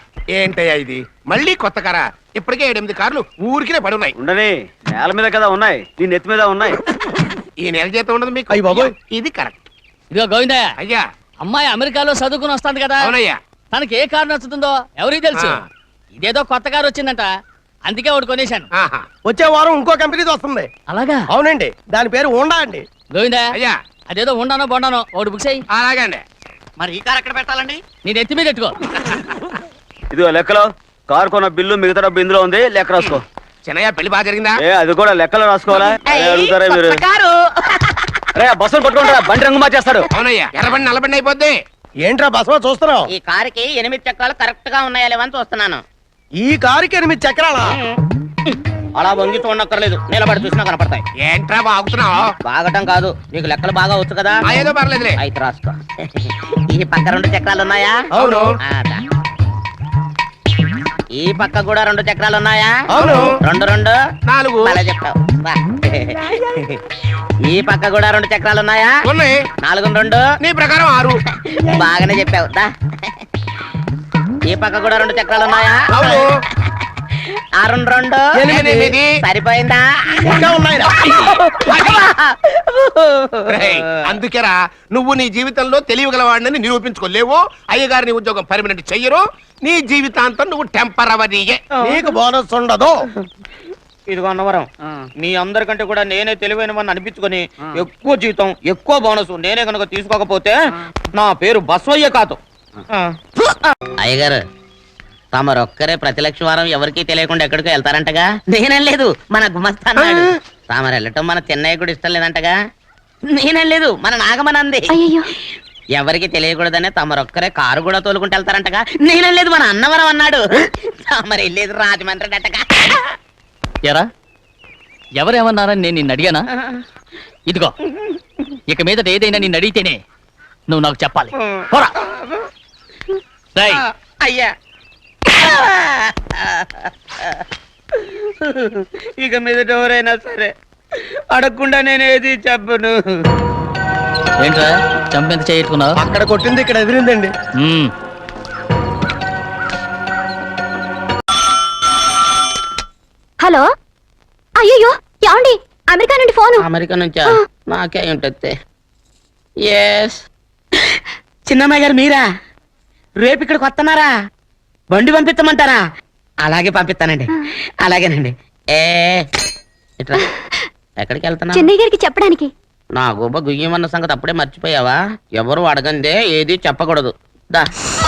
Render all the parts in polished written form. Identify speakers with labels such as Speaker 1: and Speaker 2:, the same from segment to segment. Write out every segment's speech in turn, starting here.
Speaker 1: ఏంటయ్యా ఇది మళ్ళీ కొత్త కారా? ఇప్పటికే 7-8 కార్లు ఊరికినే పడున్నాయి.
Speaker 2: ఉండని, నేల మీద కదా ఉన్నాయి, నీ నెత్తి మీద ఉన్నాయి.
Speaker 1: ఈ నెల జీతం ఉండదు మీకు.
Speaker 3: అయ్య బాబోయ్.
Speaker 1: ఇది కరెక్ట్.
Speaker 4: ఇదిగో గోవిందయ్య,
Speaker 1: అయ్యా.
Speaker 4: అమ్మాయి అమెరికాలో చదువుకుని వస్తాంది కదా,
Speaker 1: అవునయ్యా.
Speaker 4: తనకి ఏ కారు నచ్చుతుందో ఎవరికి తెలుసు.
Speaker 1: ఆ.
Speaker 4: ఇదేదో కొత్త కారు వచ్చిందంట, అందుకే ఒకటి కొనేశాను.
Speaker 1: ఆహా.
Speaker 3: వచ్చే వారం ఇంకో కంపెనీది వస్తుంది.
Speaker 4: అలాగా?
Speaker 3: అవునండి, దాని పేరు హోండా అండి.
Speaker 4: గోవిందయ్య,
Speaker 1: అయ్యా.
Speaker 4: అదేదో ఉండానో బొండానో ఒకటి బుక్ చేయి.
Speaker 1: అలాగే అండి.
Speaker 5: మరి ఈ కార్ ఎక్కడ పెట్టాలండి?
Speaker 4: నీ నెత్తి మీద పెట్టుకో.
Speaker 2: ఇదిగో లెక్కలో కారు కొన్న బిల్లు మిగతా డబ్బు ఇందులో ఉంది, లెక్క రాసుకో.
Speaker 1: చిన్నయ్య పెళ్లి బాగా జరిగిందా?
Speaker 2: అది కూడా లెక్కలో రాసుకోవాలా? అదే అడుగుతారా మీరు?
Speaker 5: కొత్త కారు.
Speaker 2: రే బస్సులు పట్టుకుంటారా, బండి రంగు మార్చేస్తాడు.
Speaker 1: అవునయ్యా, ఎర్రబండి నల్లబండి అయిపోద్ది.
Speaker 3: ఏంట్రా బసవ చూస్తున్నావు?
Speaker 5: ఈ కారుకి 8 చక్రాలు కరెక్ట్ గా ఉన్నాయా లేవని చూస్తున్నాను.
Speaker 3: ఈ కారుకి 8 చక్రాలా?
Speaker 5: అలా వంగి చూడక్కర్లేదు, నిలబడి చూసినా కనపడతాయి.
Speaker 1: ఏంట్రా బాగుతున్నావు?
Speaker 5: బాగటం కాదు, నీకు లెక్కలు బాగా వచ్చు కదా.
Speaker 1: ఏదో పర్లేదులే.
Speaker 5: అయితే రాసుకో. ఈ పక్క 2 చక్రాలు ఉన్నాయా?
Speaker 1: అవును.
Speaker 5: దా. ఈ పక్క కూడా 2 చక్రాలు ఉన్నాయా?
Speaker 1: అవును.
Speaker 5: 2 2
Speaker 1: 4.
Speaker 5: అలా చెప్తావు. బా. ఈ పక్క కూడా 2 చక్రాలు ఉన్నాయా?
Speaker 1: ఉన్నాయి.
Speaker 5: 4 2
Speaker 1: నీ ప్రకారం 6.
Speaker 5: బాగానే చెప్పావు. దా. ఈ పక్క కూడా 2 చక్రాలు ఉన్నాయా?
Speaker 1: అవును.
Speaker 5: 6 2
Speaker 1: 8.
Speaker 5: సరిపోయిందా?
Speaker 3: ఇంకా ఉన్నాయిరా.
Speaker 1: రేయ్, అందుకేరా నువ్వు నీ జీవితంలో తెలియగలవాడిని నిరూపించుకోలేవు. అయ్యగారి ఉద్యోగం పర్మనెంట్ చెయ్యరు. నీ జీవితాంతం నువ్వు టెంపరవరీయే.
Speaker 3: నీకు బోనస్ ఉండదు.
Speaker 5: ఇదిగో అన్నవరం, మీ అందరికంటే కూడా నేనే తెలివైన వాడిని అనిపించుకొని ఎక్కువ జీతం ఎక్కువ బోనస్ నేనే కనుక తీసుకోకపోతే నా పేరు బస్వయ్య కాదు. అయ్యగారు, తమరొక్కరే ప్రతి లక్ష వారం ఎవరికీ తెలియకుండా ఎక్కడికో వెళ్తారంటగా? నేనేం లేదు, మన గుమస్తా అన్నాడు. తామరు వెళ్ళటం మన చెన్నయ్య కూడా ఇష్టం లేదంటగా? నేనేం లేదు, మన నాగమనంది. ఎవరికి తెలియకూడదనే తమరొక్కరే కారు కూడా తోలుకుంటూ వెళ్తారంటగా? నేనేం లేదు, మన అన్నవరం అన్నాడు. తమరు వెళ్ళేది రాజమండ్రి అంటగా?
Speaker 4: ఎరా, ఎవరేమన్నారని నేను నిన్ను అడిగానా? ఇదిగో, ఇక మీదట ఏదైనా నిన్ను అడిగితేనే నువ్వు నాకు చెప్పాలి. పోరా. రేయ్,
Speaker 5: అయ్యా, ఇక మీదట ఎవరైనా సరే అడగకుండా నేనేది చెప్పను.
Speaker 4: ఏంట్రా చంపెంత చేయట్టుకున్నావు?
Speaker 3: అక్కడ కొట్టింది ఇక్కడ ఎదిరిందండి.
Speaker 6: హలో, అయ్యో ఏమండి, అమెరికా నుండి ఫోను.
Speaker 5: అమెరికా నుంచా? నాకే ఉంటుంది. ఎస్, చిన్నమ్మాయి గారు మీరా? రేపు ఇక్కడికి వస్తున్నారా? బండి పంపిస్తామంటారా? అలాగే పంపిస్తానండి. అలాగేనండి. ఇట్లా ఎక్కడికి వెళ్తున్నా?
Speaker 6: చెన్నై గారికి చెప్పడానికి.
Speaker 5: నా గుబ్బ గుయ్యమన్న సంగతి అప్పుడే మర్చిపోయావా? ఎవరు అడగందే ఏది చెప్పకూడదు. దా.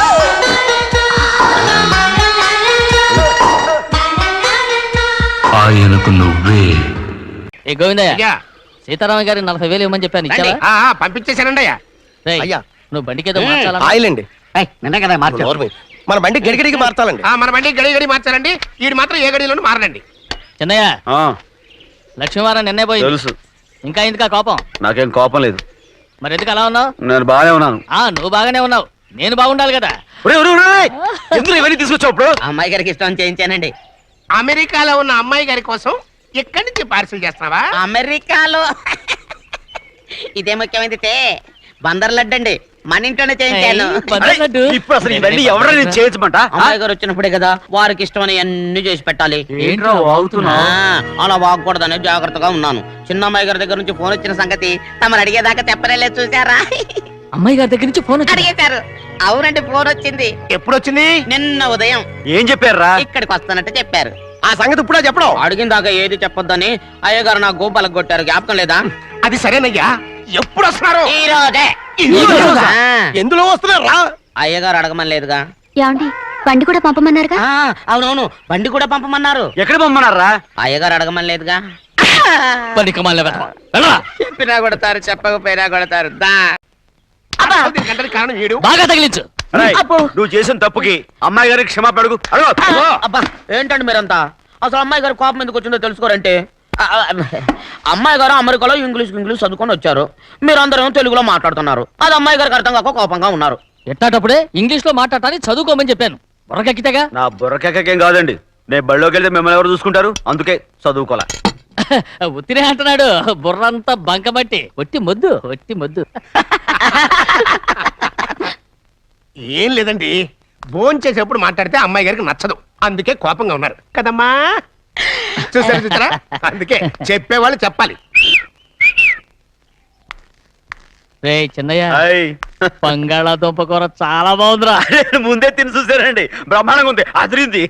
Speaker 4: ఏ గోవిందయ్య,
Speaker 1: అయ్యా.
Speaker 4: సీతారామ గారి 40,000 ఇవ్వమని చెప్పాను, ఇచ్చావా?
Speaker 1: పంపించేశానండి అయ్యా.
Speaker 4: రేయ్,
Speaker 3: అయ్యా.
Speaker 4: నువ్వు బండికేదో మార్చాలా?
Speaker 3: ఆయిల్ అండి.
Speaker 5: నిన్న కదా
Speaker 3: నోర్మి. మన బండి గడిగడికి మార్చాలండి.
Speaker 1: మన బండి గడి మార్చాలండి. వీడు మాత్రం ఏ గడిలోనూ మారనండి.
Speaker 4: చిన్నయ్య,
Speaker 2: ఆ,
Speaker 4: లక్ష్మీవారం నిన్నే పోయింది.
Speaker 2: తెలుసు.
Speaker 4: ఇంకా ఎందుకా కోపం?
Speaker 2: నాకేం కోపం లేదు,
Speaker 4: మరి ఎందుకు అలా ఉన్నావు?
Speaker 2: నేను బాగానే ఉన్నాను.
Speaker 4: నువ్వు బాగానే ఉన్నావు, నేను బాగుండాలి కదా.
Speaker 2: ఎందుకు ఇవన్నీ తీసుకొచ్చావు ఇప్పుడు?
Speaker 5: అమ్మాయి గారికి ఇష్టం చేయించానండి.
Speaker 1: అమెరికాలో ఉన్న అమ్మాయి గారి కోసం ఎక్కడి నుంచి పార్సిల్ చేస్తున్నావా?
Speaker 5: అమెరికాలో ఇదే ముఖ్యమైనది. బందర్ లడ్డు అండి, మన ఇంట్లోనే చేయించాను.
Speaker 2: ఇప్పుడు అసలు ఇవన్నీ ఎవరైనా చేయించమంట?
Speaker 5: అమ్మాయి గారు వచ్చినప్పుడే కదా వారికి ఇష్టమని అన్ని చేసి పెట్టాలి.
Speaker 2: ఏంట్రా వాగుతున్నా?
Speaker 5: అలా వాగకూడదని జాగ్రత్తగా ఉన్నాను. చిన్న అమ్మాయి గారి దగ్గర నుంచి ఫోన్ వచ్చిన సంగతి తమరు అడిగేదాకా చెప్పలేదు, చూసారా?
Speaker 4: అమ్మాయి గారి దగ్గర నుంచి ఫోన్ వచ్చింది.
Speaker 5: అడిగేశారు. అవునండి, ఫోన్ వచ్చింది.
Speaker 1: ఎప్పుడు వచ్చింది?
Speaker 5: నిన్న ఉదయం.
Speaker 2: ఏం చెప్పారా?
Speaker 5: ఇక్కడికి వస్తానంటే చెప్పారు.
Speaker 3: ఆ సంగతి ఇప్పుడే చెప్పడం.
Speaker 5: అడిగిన దాకా ఏది చెప్పొద్దని అయ్యగారు నా గోపాలకు కొట్టారు. జ్ఞాపకం లేదా?
Speaker 1: అది సరేనయ్యా, ఎప్పుడు వస్తున్నారు?
Speaker 5: ఈ రోజే.
Speaker 3: ఎందులో వస్తున్నారా?
Speaker 5: అయ్యగారు అడగమని లేదుగా.
Speaker 6: ఏమండి, బండి కూడా పంపమన్నారుగా?
Speaker 5: అవునవును, బండి కూడా పంపమన్నారు.
Speaker 2: ఎక్కడ పంపమన్నారా?
Speaker 5: అయ్యగారు అడగమని లేదుగా. చెప్పినా కొడతారు, చెప్పకపోయినా కొడతారు. దా.
Speaker 1: దీనికి గంటకి కారణం వీడు.
Speaker 4: బాగా తగిలించు.
Speaker 2: రేయ్, నువ్వు చేసిన తప్పుకి అమ్మాయి గారికి క్షమాపణ అడుగు.
Speaker 5: అబ్బా, ఏంటండి మీరంతా? అసలు అమ్మాయి గారు కోపం ఎందుకు వచ్చిందో తెలుసుకోరంటే, అమ్మాయి గారు అమెరికాలో ఇంగ్లీష్ చదువుకొని వచ్చారు. మీరందరూ తెలుగులో మాట్లాడుతున్నారు. అది అమ్మాయి గారికి అర్థం కాక కోపంగా ఉన్నారు.
Speaker 4: ఎట్టాటప్పుడే ఇంగ్లీష్ లో మాట్లాడాలని చదువుకోమని చెప్పాను. బుర్రకెక్కితేగా.
Speaker 2: నా బుర్రకేకేం కాదండి, నేను బళ్ళోకి వెళ్తే మిమ్మల్ని ఎవరు చూసుకుంటారు? అందుకే చదువుకోలే.
Speaker 4: ఉత్తినే అంటున్నాడు, బుర్రంతా బంకబట్టి. ఒట్టి మొద్దు.
Speaker 1: ఏం లేదండి, భోంచేసేప్పుడు మాట్లాడితే అమ్మాయి గారికి నచ్చదు, అందుకే కోపంగా ఉన్నారు కదమ్మా. చూసారా, అందుకే చెప్పేవాళ్ళు చెప్పాలి.
Speaker 4: రే చిన్నయ్య,
Speaker 2: హాయ్.
Speaker 4: బంగాళాదుంప కూర చాలా బాగుందిరా.
Speaker 2: నేను ముందే తిని చూసానండి, బ్రహ్మాండంగా ఉంది, అదిరింది.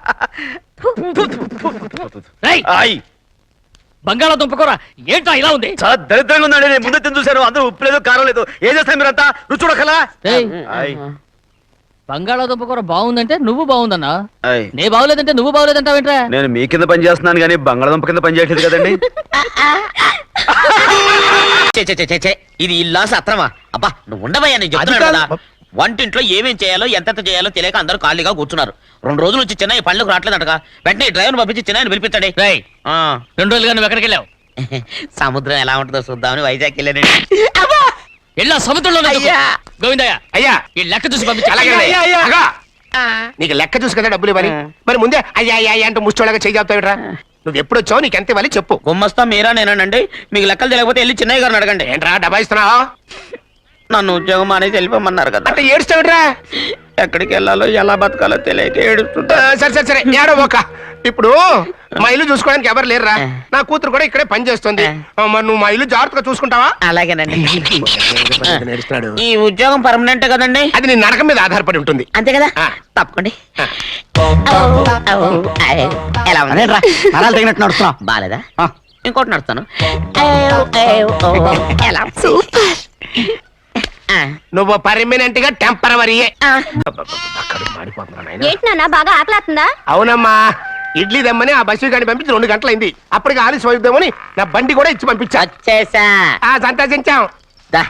Speaker 4: రేయ్,
Speaker 2: హాయ్.
Speaker 4: బంగాళాదుంప కూర ఏంటా ఇలా ఉంది?
Speaker 2: చాలా దరిద్రంగా ఉందండి, నేను ముందే తిని చూశాను. అందరూ ఉప్పు లేదు, కారం లేదు. ఏం చేస్తారు మీరంతా? రుచి చూడకలా.
Speaker 4: రేయ్,
Speaker 2: హాయ్.
Speaker 4: బంగాళాదుంప కూర బాగుందంటే నువ్వు బాగుందన్నా,
Speaker 2: హాయ్.
Speaker 4: నే బాగులేదంటే నువ్వు బాగులేదంటావేంట్రా?
Speaker 2: నేను మీ కింద పని చేస్తున్నాను కానీ బంగాళదుంప కింద పని చేయట్లేదు కదండి.
Speaker 5: ఇది ఇల్లా సత్రమా? అబ్బా నువ్వు ఉండవయ్యా, నేను చెప్తున్నాను కదా. వంటింట్లో ఏమేం చేయాలో ఎంతెంత చేయాలో తెలియక అందరూ ఖాళీగా కూర్చున్నారు. 2 రోజుల నుంచి చిన్న పనులకు రావట్లేదంటగా. వెంటనే డ్రైవర్ పంపించి చిన్న పిలిపించండి.
Speaker 4: రేయ్, 2 రోజులుగా నువ్వు ఎక్కడికి వెళ్ళావు?
Speaker 5: సముద్రం ఎలా ఉంటుందో చూద్దామని వైజాగ్ వెళ్ళానండి.
Speaker 4: వెళ్ళా సముద్రంలో గోవిందయ్య,
Speaker 1: అయ్యా
Speaker 4: ఈ లెక్క చూసి పంపించి.
Speaker 1: అలాగే అగా. నీకు లెక్క చూసి కదా డబ్బులు ఇవ్వాలి, మరి ముందే అయ్యా అయ్యా అయ్యా అంటూ ముష్టోళ్ళగా చెయ్యావుతావిట్రా. నువ్వు ఎప్పుడు వచ్చావు, నీకు ఎంత ఇవ్వాలి చెప్పు.
Speaker 5: గుమ్మస్తా మీరా నేనండి. మీకు లెక్కలు తెలియకపోతే వెళ్ళి చిన్నయ్య గారిని అడగండి.
Speaker 1: ఏంట్రా డబ్బా ఇస్తున్నావు?
Speaker 5: నన్ను ఉద్యోగం అనేది వెళ్ళిపోమన్నారు కదా.
Speaker 1: అంటే ఏడుస్తావిట్రా?
Speaker 5: ఎక్కడికి వెళ్ళాలో ఎలా బతకాలో తెలియక ఏడుస్తుంటా.
Speaker 1: సరే సరే సరే ఏడో ఒక. ఇప్పుడు మా ఇల్లు చూసుకోవడానికి ఎవరు లేరురా, నా కూతురు కూడా ఇక్కడే పని చేస్తుంది. మరి నువ్వు మా ఇల్లు జాగ్రత్తగా చూసుకుంటావా?
Speaker 5: అలాగేనండి.
Speaker 1: నేర్చుకున్నాడు.
Speaker 5: ఈ ఉద్యోగం పర్మనెంట్ కదండి?
Speaker 1: అది నీ నరకం మీద ఆధారపడి ఉంటుంది.
Speaker 5: అంతే కదా,
Speaker 1: ఆ.
Speaker 5: తప్పకండి. ఎలా ఉంది?
Speaker 3: నరాలు తగినట్టు నడుస్తున్నావు.
Speaker 5: బాలేదా? ఇంకోటి నడుస్తాను. ఎలా ఉంది?
Speaker 6: సూపర్.
Speaker 5: ఆ,
Speaker 1: నువ్వు పర్మనెంట్ గా టెంపరవరీయే.
Speaker 5: ఆ.
Speaker 1: అక్కడ మాడిపోతున్నా నాయనా.
Speaker 6: ఏంటి నాన్న బాగా ఆకలాతుందా?
Speaker 1: అవునమ్మా, ఇడ్లీ దమ్మని ఆ బస్సు గాని పంపించి 2 గంటలైంది. అప్పటికి ఆలస్యం అవుతామని నా బండి కూడా ఇచ్చి పంపించా.
Speaker 5: వచ్చేసా.
Speaker 1: సంతోషించాం.
Speaker 5: దా.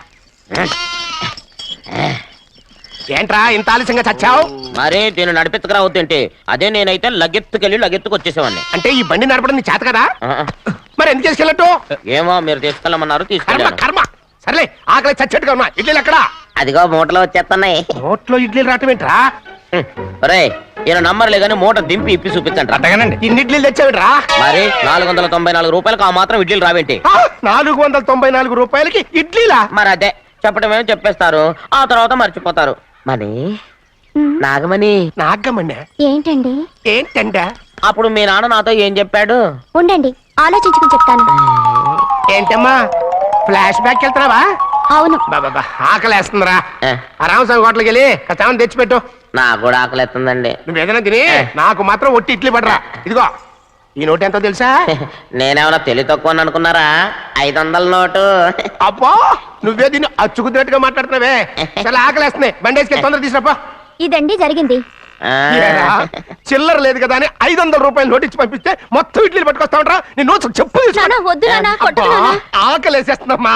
Speaker 1: ఏంట్రా ఇంత ఆలస్యంగా చచ్చావు?
Speaker 5: మరి దీన్ని నడిపెత్తుకురావద్దేంటి? అదే నేనైతే లగెత్తుకెళ్ళి లగెత్తుకు వచ్చేసేవాడిని.
Speaker 1: అంటే ఈ బండి నడపడం నీ చేత కదా,
Speaker 5: ఆ,
Speaker 1: మరి ఎందుకు చేసుకెళ్ళట్టు?
Speaker 5: ఏమో మీరు తీసుకెళ్ళమన్నారు,
Speaker 1: కర్మ
Speaker 5: తీసుకెళ్ళాను.
Speaker 1: కర్మ. సర్లే, ఆకలి చచ్చేట్టుగా ఉన్నా. ఇడ్లీలు ఎక్కడా?
Speaker 5: అదిగో మూటలో వచ్చేస్తున్నాయి.
Speaker 1: నోట్లో ఇడ్లీలు రావటం ఏంట్రా?
Speaker 5: రే ఈయన నంబర్లే కానీ మూట దింపి ఇప్పి చూపించండి.
Speaker 1: అట్టగానండి. ఇన్ని ఇడ్లీలు తెచ్చావిడ్రా?
Speaker 5: మరి 494 రూపాయలకు ఆ మాత్రం ఇడ్లీలు రావేంటి?
Speaker 1: 494 రూపాయలకి ఇడ్లీలా?
Speaker 5: మరి అదే చెప్పడమేమో చెప్పేస్తారు, ఆ తర్వాత మర్చిపోతారు. మరి నాగమణి,
Speaker 1: నాగమ్మన్నా
Speaker 6: ఏంటండి?
Speaker 1: ఏంటంట?
Speaker 5: అప్పుడు మీ నాన్న నాతో ఏం చెప్పాడు?
Speaker 6: ఉండండి ఆలోచించుకుని చెప్తాను.
Speaker 1: ఏంటమ్మా ఫ్లాష్ బ్యాక్ వెళ్తున్నావా?
Speaker 6: అవును.
Speaker 1: బాబా ఆకలేస్తుందిరా.
Speaker 5: ఏ.
Speaker 1: ఆ రామస్వామి హోటల్కి వెళ్ళి కచ్చామని తెచ్చిపెట్టు.
Speaker 5: నాకు కూడా ఆకలిస్తుందండి.
Speaker 1: నువ్వు ఏదైనా తిని నాకు మాత్రం ఒట్టి ఇడ్లీ పడరా. ఇదిగో ఈ నోటు ఎంతో తెలుసా?
Speaker 5: నేనేమన్నా తెలివి తక్కువ అనుకున్నారా? 500 నోటు.
Speaker 1: అబ్బో నువ్వే దీన్ని అచ్చుకుతున్నట్టుగా మాట్లాడుతున్నావే. చాలా ఆకలేస్తున్నాయి, బండేసుకెళ్ళి తొందర తీసుకురాపో.
Speaker 6: ఇదండి జరిగింది.
Speaker 5: ఆ.
Speaker 1: ఏరా, చిల్లర లేదు కదా అని 500 రూపాయలు నోటు ఇచ్చి పంపిస్తే మొత్తం ఇడ్లీలు పట్టుకొస్తా ఉంటా. నీ నోట్స్ చెప్పు తీసుకో.
Speaker 6: నాన్న, వద్దు నాన్న, కొట్టకు
Speaker 1: అబ్బా,
Speaker 6: నాన్న.
Speaker 1: ఆకలేసేస్తుందమ్మా.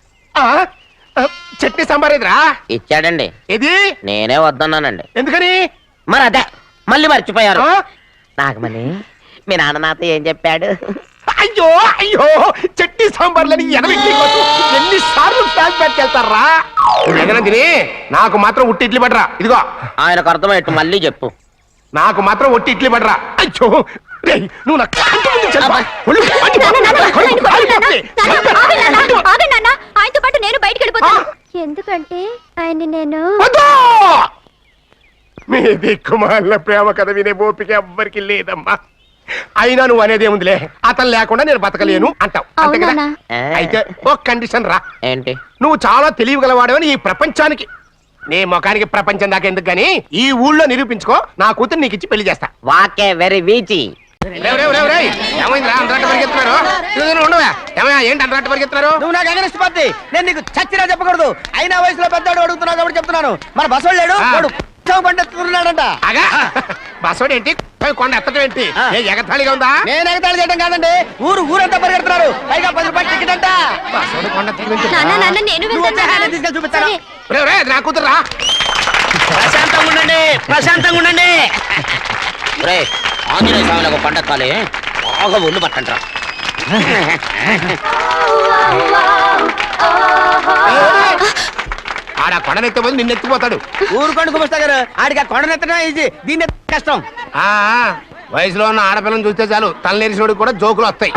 Speaker 1: చట్నీ సాంబార్ ఎదురా?
Speaker 5: ఇచ్చాడండి,
Speaker 1: ఇది
Speaker 5: నేనే వద్దన్నానండి.
Speaker 1: ఎందుకని?
Speaker 5: మరి అదే మళ్ళీ మర్చిపోయారు.
Speaker 1: ఆ?
Speaker 5: నాగమణి మీ నాన్న నాతో ఏం చెప్పాడు?
Speaker 1: అయ్యో అయ్యో చట్నీ సాంబార్లని ఎన్నిసార్లు ఫ్లాష్ బ్యాక్ వెళ్తారా? ఏదైనా తిని నాకు మాత్రం ఉట్టి ఇడ్లీ పడరా. ఇదిగో
Speaker 5: ఆయనకు అర్థమయ్యట్టు మళ్ళీ చెప్పు.
Speaker 1: నాకు మాత్రం ఒట్టి ఇడ్లీ పడరా. అయ్యో రేయ్, నువ్వు నా కంటి ముందు చల్పా. ఒళ్ళు మండి
Speaker 6: నాన్న, నాన్న,
Speaker 1: పోతుంది.
Speaker 6: ఆయన కొట్టకు నాన్న. నాన్న, ఆగండి నాన్న, ఆగండి నాన్న. ఆయనతో పాటు నేను బయటికి వెళ్ళిపోతాను. ఎందుకంటే ఆయన్ని నేను
Speaker 1: వద్దు! మీ దిక్కుమాల ప్రేమ కథ వినే ఓపిక ఎవ్వరికి లేదమ్మా. అయినా నువ్వు అనేదేముందిలే, అతను లేకుండా నేను బతకలేను అంటావు అంతే కదా?
Speaker 6: అవునా?
Speaker 1: అయితే ఒక కండిషన్ రా.
Speaker 5: ఏంటి?
Speaker 1: నువ్వు చాలా తెలియగలవాడవని ఈ ప్రపంచానికి, నీ ముఖానికి ప్రపంచం దాకా ఎందుకు గానీ ఈ ఊళ్ళో నిరూపించుకో. నా కూతురు నీకు ఇచ్చి పెళ్లి చేస్తా.
Speaker 5: వాకే వెరీ వీచి.
Speaker 1: ఏమైందిరా అందరట్టు పరిగెత్తున్నారు? ఉండవా ఏమయ్యా, ఏంటి అందరట్టు పరిగెత్తున్నారు?
Speaker 3: నువ్వు నాకు అగనిస్ట్ పత్తి, నేను నీకు చచ్చినా చెప్పకూడదు. అయినా వయసులో పెద్దవాడు అడుగుతున్నావు కాబట్టి చెప్తున్నాను. మన బస్సు లేడు, వాడు పండిస్తున్నాడంట.
Speaker 1: అగా బస్సోడు ఏంటి, కొండ ఎత్తడం ఏంటి? ఏ ఎగతాళిగా ఉందా?
Speaker 3: నేను ఎగతాళి చేయడం కాదండి, ఊరంతా పరిగెడుతున్నారు. పైగా 10 రూపాయలు టికెట్ అంట.
Speaker 1: బస్సోడు కొండ ఎత్తడం
Speaker 6: నాన్న, నాన్న, నేను
Speaker 3: నువ్వు వచ్చే
Speaker 6: వెళ్తాను.
Speaker 3: హ్యాండ్ తీసుకెళ్ళి చూపిస్తాను.
Speaker 6: సరే.
Speaker 1: అది నా కూతురు రా.
Speaker 5: ప్రశాంతంగా ఉండండి, ప్రశాంతంగా ఉండండి. రే ఆంజనేయ స్వామికి పండగ కాలే, బాగా ఒళ్ళు పట్టంటారా.
Speaker 1: ఆడ కొండనెత్తే నిన్ను ఎత్తిపోతాడు.
Speaker 3: ఊరుకోండి కుమస్తా గారు, ఆడికి ఆ కొండనెత్తడం ఈజీ, దీన్ని కష్టం.
Speaker 1: ఆ వయసులో ఉన్న ఆడపిల్లని చూస్తే చాలు తలనేరిసినోడికి కూడా జోకులు వస్తాయి.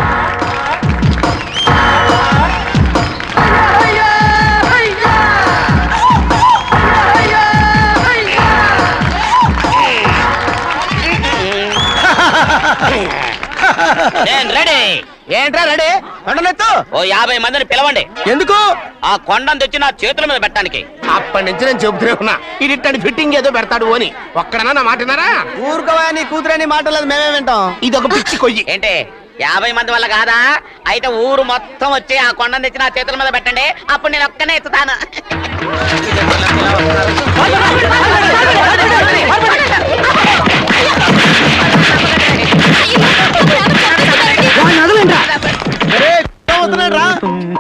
Speaker 5: నేను రెడీ.
Speaker 3: ఏంట్రా రెడీ కొండనెత్తు.
Speaker 5: ఓ 50 మందిని పిలవండి.
Speaker 3: ఎందుకు?
Speaker 5: ఆ కొండను తెచ్చి నా చేతుల మీద పెట్టడానికి.
Speaker 1: అప్పటి నుంచి నేను చెబుతూనే ఉన్నా ఇడిట్టని ఫిట్టింగ్ ఏదో పెడతాడు అని ఒక్కడనా నా మాట విన్నారా?
Speaker 3: ఊరుకోవా, నీ కూతురని మాటలేదు మేమే వింటాం.
Speaker 1: ఇది ఒక పిచ్చి కొయ్యి.
Speaker 5: ఏంటి 50 మంది వల్ల కాదా? అయితే ఊరు మొత్తం వచ్చి ఆ కొండను తెచ్చి నా చేతుల మీద పెట్టండి, అప్పుడు నేను ఒక్కనే ఎత్తుతాను.
Speaker 3: ఒరేయ్, అవుతున్నాడు రా.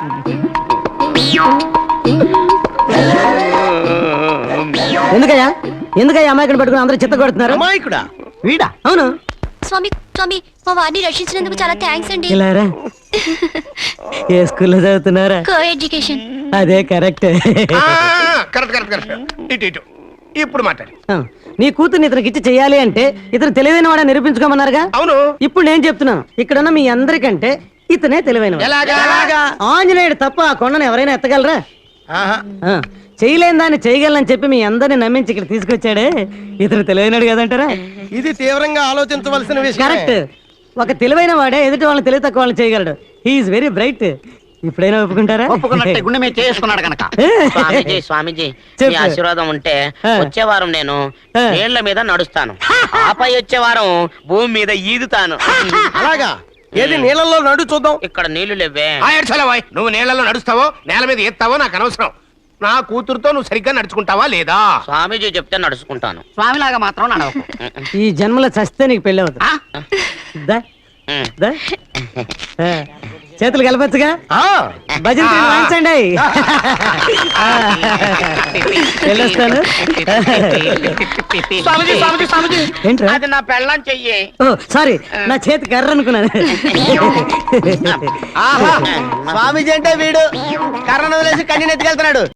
Speaker 7: ఎందుకయ్యా అమాయకుని పట్టుకుని అందరూ చిత్త కొడుతున్నారు?
Speaker 3: అమాయకుడా?
Speaker 7: వీడా? అవును.
Speaker 6: స్వామి స్వామి మా వారిని రక్షించినందుకు చాలా థ్యాంక్స్ అండి.
Speaker 7: ఇలారా ఏ స్కూల్లో చదువుతున్నారా?
Speaker 6: Co education.
Speaker 7: అదే కరెక్ట్.
Speaker 1: Correct correct correct. ఇటు ఇటు ఇప్పుడు మాట్లాడు.
Speaker 7: నీ కూతుర్ని ఇతనికి ఇచ్చి చెయ్యాలి అంటే ఇతను తెలివైన వాడని నిరూపించుకోమన్నారుగా.
Speaker 1: అవును.
Speaker 7: ఇప్పుడు నేను చెప్తున్నాను, ఇక్కడున్న మీ అందరికంటే ఇతనే తెలివైన
Speaker 1: ఎలాగా?
Speaker 7: ఆంజనేయుడు తప్ప ఆ కొండను ఎవరైనా ఎత్తగలరా?
Speaker 1: ఆహా.
Speaker 7: చేయలేని దాన్ని చేయగలనని చెప్పి మీ అందరిని నమ్మించి ఇక్కడ తీసుకొచ్చాడే, ఇతను తెలివైనడు కదంటారా?
Speaker 3: ఇది తీవ్రంగా ఆలోచించవలసిన విషయం.
Speaker 7: కరెక్ట్. ఒక తెలివైన వాడే ఎదుటి వాళ్ళని తెలివి తక్కువ వాళ్ళని చేయగలడు. He is very bright. ఇప్పుడైనా ఒప్పుకుంటారా?
Speaker 5: ఒప్పుకున్నట్టే గుండె మీద చేసుకున్నాడు కనుక. స్వామీజీ స్వామీజీ
Speaker 7: చెప్పు.
Speaker 5: మీ ఆశీర్వాదం ఉంటే వచ్చే వారం నేను నీళ్ల మీద నడుస్తాను, ఆపై వచ్చే వారం భూమి మీద ఈదుతాను.
Speaker 3: అలాగా? ఏది నీళ్ళల్లో నడు చూద్దాం.
Speaker 5: ఇక్కడ నీళ్లు లేవే.
Speaker 1: ఏడ్చలవాయ్. నువ్వు నీళ్లలో నడుస్తావో నేల మీద ఎత్తావో నాకు అనవసరం. నా కూతురుతో నువ్వు సరిగ్గా నడుచుకుంటావా లేదా?
Speaker 5: స్వామీజీ చెప్తే నడుచుకుంటాను, స్వామిలాగా మాత్రం నడవకు.
Speaker 7: ఈ జన్మలో చస్తే నీకు పెళ్ళి అవుతుంది. దా, దా. చేతులు కలపచ్చుగా. భజన తీరు వాయించండి. వెళ్ళొస్తాను.
Speaker 5: స్వామీజీ స్వామీజీ స్వామీజీ
Speaker 7: ఏంట్రా?
Speaker 5: అది నా పెళ్ళం చెయ్యి.
Speaker 7: ఓ సారీ, నా చేతి కర్ర అనుకున్నాను.
Speaker 3: స్వామీజీ అంటే వీడు కర్రను వదిలేసి కన్నీ ఎత్తుకెళ్తున్నాడు.